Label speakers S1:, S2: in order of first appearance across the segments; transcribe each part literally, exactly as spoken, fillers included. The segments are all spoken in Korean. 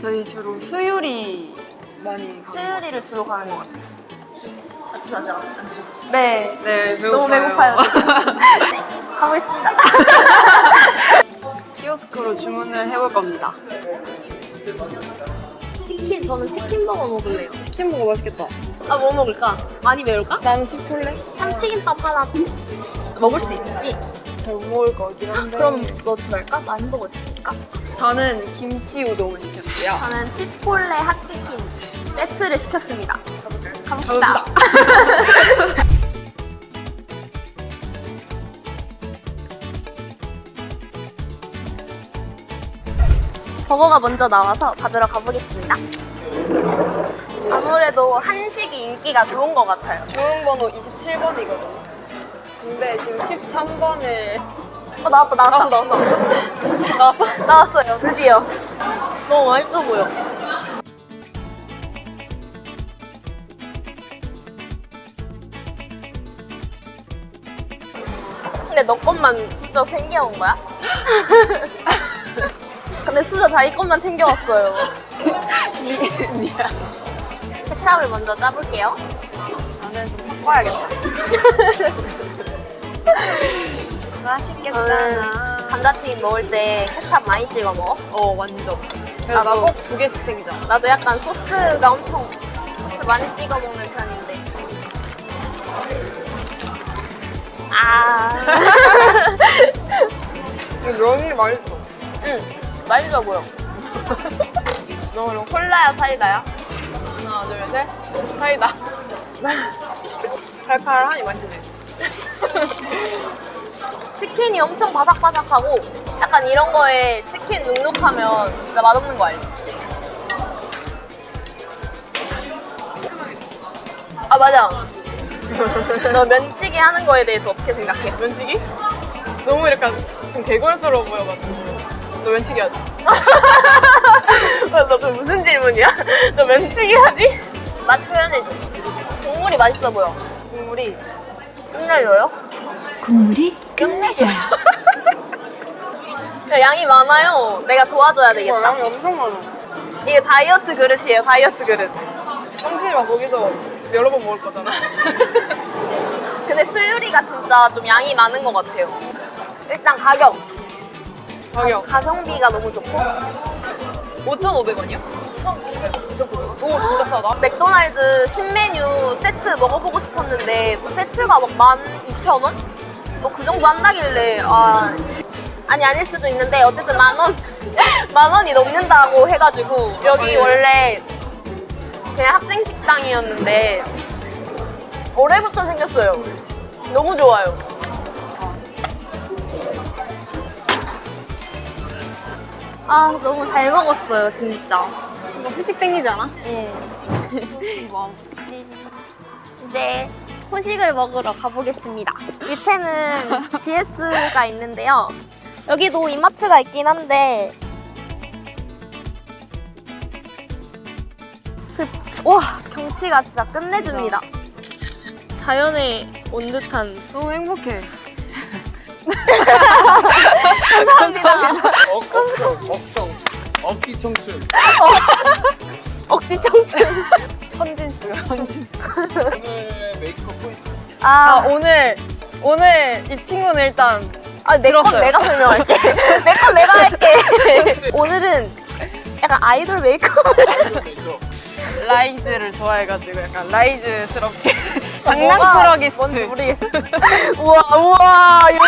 S1: 저희 주로 수유리 많이
S2: 수유리를 주로 가는 것 같아요.
S3: 아침 아직 안 드셨죠?
S2: 네.
S1: 네,
S2: 너무
S1: 배고파요.
S2: 배고파요. 네, 가보겠습니다.
S1: 키오스크로 주문을 해볼 겁니다.
S2: 치킨, 저는 치킨 버거 먹을래요.
S1: 치킨 먹어 맛있겠다.
S2: 아, 뭐 먹을까? 많이 매울까?
S1: 나는 치폴레?
S2: 참치김밥 하나 먹을 수 있지?
S1: 잘 못 먹을 것 같긴 한데.
S2: 그럼 넣지 말까? 많이 먹을 수 있을까?
S1: 저는 김치 우동을 시켰어요.
S2: 저는 치폴레 핫치킨 세트를 시켰습니다. 가봅시다. 버거가 먼저 나와서 받으러 가보겠습니다. 아무래도 한식이 인기가 좋은 것 같아요.
S1: 주문번호 이십칠 번이거든요. 근데 지금 십삼 번을
S2: 어, 나왔다, 나왔다.
S1: 나왔어 나왔어 나왔어?
S2: 나왔어요, 드디어. 너무 맛있어 보여. 근데 너 것만 진짜 챙겨온 거야? 근데 수저 자기 것만 챙겨왔어요.
S1: 미, 미안.
S2: 케찹을 먼저 짜볼게요.
S1: 나는 좀 섞어야겠다. 맛있겠잖아.
S2: 감자튀김 먹을 때 케찹 많이 찍어 먹어?
S1: 어 완전. 그래서
S2: 나도.
S1: 나 꼭 두 개씩 챙기잖아.
S2: 나도 약간 소스가 엄청 소스 많이 찍어 먹는 편인데. 아.
S1: 면이 맛있어.
S2: 응, 맛있어 보여. 너 그럼 콜라야 사이다야?
S1: 하나 둘 셋. 사이다. 칼칼하니 맛있네.
S2: 치킨이 엄청 바삭바삭하고 약간 이런 거에 치킨 눅눅하면 진짜 맛없는 거 알지? 아 맞아. 너 면치기 하는 거에 대해서 어떻게 생각해?
S1: 면치기? 너무 약간 좀 개걸스러워 보여가지고. 너 면치기 하지?
S2: 너 그 무슨 질문이야? 너 면치기 하지? 맛 표현해줘. 국물이 맛있어 보여.
S1: 국물이
S2: 끝내줘요?
S4: 국물이 끝내줘요.
S2: 야, 양이 많아요. 내가 도와줘야
S1: 와,
S2: 되겠다.
S1: 양이 엄청 많아.
S2: 이게 다이어트 그릇이에요, 다이어트 그릇.
S1: 성진이 막 거기서 여러 번 먹을 거잖아.
S2: 근데 수유리가 진짜 좀 양이 많은 것 같아요. 일단 가격.
S1: 가격
S2: 가성비가 너무 좋고.
S1: 오천오백 원이요? 오천구백 원? 오 진짜 싸다.
S2: 맥도날드 신메뉴 세트 먹어보고 싶었는데 뭐 세트가 막 만 이천 원? 뭐 그 정도 한다길래 아 아니 아닐 수도 있는데 어쨌든 만 원? 만 원이 넘는다고 해가지고 여기 원래 그냥 학생 식당이었는데 올해부터 생겼어요. 너무 좋아요. 아 너무 잘 먹었어요 진짜.
S1: 이거 후식 땡기지 않아?
S2: 응.
S1: 뭐
S2: 이제 후식을 먹으러 가보겠습니다. 밑에는 지에스가 있는데요. 여기도 이마트가 있긴 한데 그, 와 경치가 진짜 끝내줍니다. 자연에 온 듯한.
S1: 너무 행복해.
S2: 감사합니다.
S5: 억, 억청, 억청, 억지 청춘.
S2: 억지 청춘.
S1: 헌진스 헌진스.
S5: 오늘의 메이크업 포인트.
S1: 아
S2: 아,
S1: 오늘 오늘 이 친구는 일단
S2: 아 내 건
S1: 들었어요.
S2: 내가 설명할게. 내 건 내가 할게. 오늘은 약간 아이돌 메이크업을.
S5: 메이크업.
S1: 라이즈를 좋아해가지고 약간 라이즈스럽게
S2: 뭐가
S1: 장난꾸러기스트.
S2: 뭔지 모르겠어. 우와 우와 이거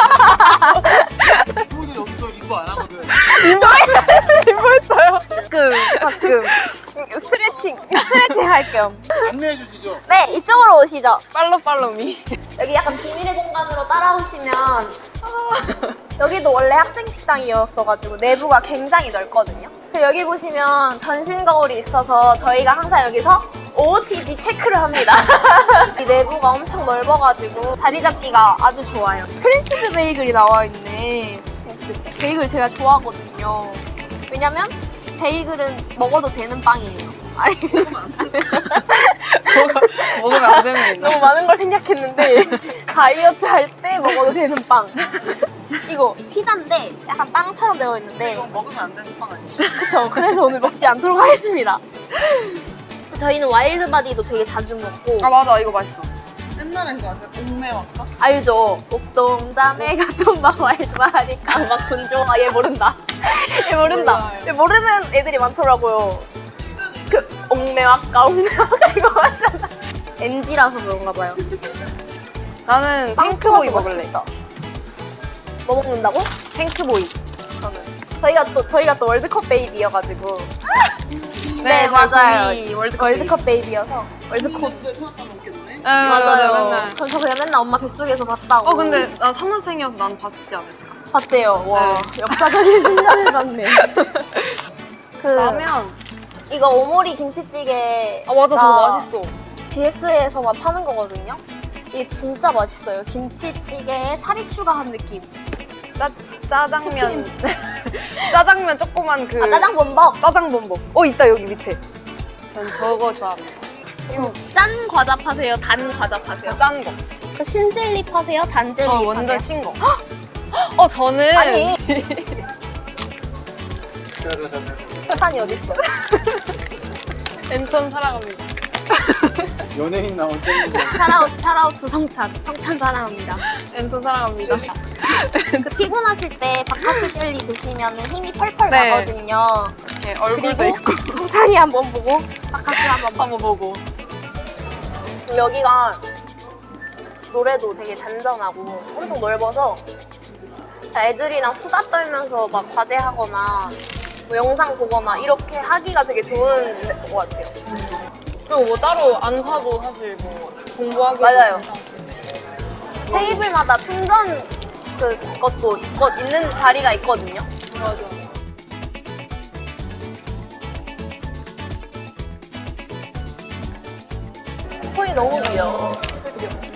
S5: 누구도 여기서 리포 안 하거든.
S1: 리포했어요.
S2: 가끔 가끔 스트레칭 스트레칭 할 겸.
S5: 안내해 주시죠.
S2: 네 이쪽으로 오시죠.
S1: 팔로 팔로미.
S2: 여기 약간 비밀의 공간으로 따라오시면 여기도 원래 학생 식당이었어가지고 내부가 굉장히 넓거든요. 그래서 여기 보시면 전신 거울이 있어서 저희가 항상 여기서 오오티디 체크를 합니다. 이 내부가 엄청 넓어가지고 자리 잡기가 아주 좋아요. 크림치즈 베이글이 나와 있네. 베이글 제가 좋아하거든요. 왜냐면 베이글은 먹어도 되는 빵이에요. 아니
S1: 먹어, 먹으면 안 되는 게 있나?
S2: 너무 많은 걸 생각했는데 다이어트 할 때 먹어도 되는 빵. 이거 피자인데 약간 빵처럼 되어 있는데
S3: 먹으면 안 되는 빵 아니야?
S2: 그쵸. 그래서 오늘 먹지 않도록 하겠습니다. 저희는 와일드바디도 되게 자주 먹고
S1: 아 맞아 이거 맛있어.
S3: 옛날에 그거 아세요? 옥매왔다?
S2: 알죠? 옥동자매가 돈바 와일드바디 막 군조아 얘 모른다. 얘 모른다.
S1: 몰라요.
S2: 얘 모르는 애들이 많더라고요. 그 옥매와까 옥매와까 이거 맞잖아. 엠지라서 그런가 봐요.
S1: 나는 핑크보이 먹을래.
S2: 뭐 먹는다고?
S1: 핑크보이.
S2: 저는 저희가 또 저희가 또 월드컵 베이비여가지고
S1: 네,
S2: 맞아요.
S1: 저희 월드컵
S2: 월드컵 베이비여서 월드컵
S3: 근데 생각보다 먹겠네?
S1: 네, 맞아요. 맨날.
S2: 전 저 그냥 맨날 엄마 뱃속에서 봤다고.
S1: 어 근데 나 삼년생이어서 나는 봤지 않았을까?
S2: 봤대요. 와
S1: 네.
S2: 역사적인 순간을 봤네. 그
S1: 라면.
S2: 이거 오모리 김치찌개.
S1: 아 맞아 저거 맛있어.
S2: 지에스에서만 파는 거거든요. 이게 진짜 맛있어요. 김치찌개에 살이 추가한 느낌.
S1: 짜 짜장면. 짜장면 조그만 그.
S2: 아 짜장 범벅.
S1: 짜장 범벅. 어 있다 여기 밑에. 전 저거 좋아합니다.
S2: 이거 짠 과자 파세요? 단 과자 파세요?
S1: 저 짠 거.
S2: 그 신젤리 파세요? 단젤리
S1: 저
S2: 파세요?
S1: 완전 신 거. 어 저는
S2: 아니
S5: 짜자자자.
S2: 설탕이 어딨어?
S1: 엔턴 사랑합니다.
S5: 연예인 나온 땡인데.
S2: 샤라웃 샤라웃 두 성찬. 성찬 사랑합니다.
S1: 엔턴 사랑합니다.
S2: 그 피곤하실 때 바카스 젤리 드시면 힘이 펄펄
S1: 네.
S2: 나거든요.
S1: 네, 얼굴도
S2: 그리고
S1: 있고
S2: 성찬이 한번 보고 바카스 한번 보고.
S1: 한번 보고.
S2: 여기가 노래도 되게 잔잔하고 엄청 넓어서 애들이랑 수다 떨면서 막 과제하거나 뭐 영상 보거나 이렇게 하기가 되게 좋은 것 같아요.
S1: 그리고 뭐 따로 안 사도 사실 뭐 공부하기
S2: 맞아요. 테이블마다 충전 그 것도 있거, 있는 자리가 있거든요.
S1: 맞아.
S2: 손이 너무 귀여워.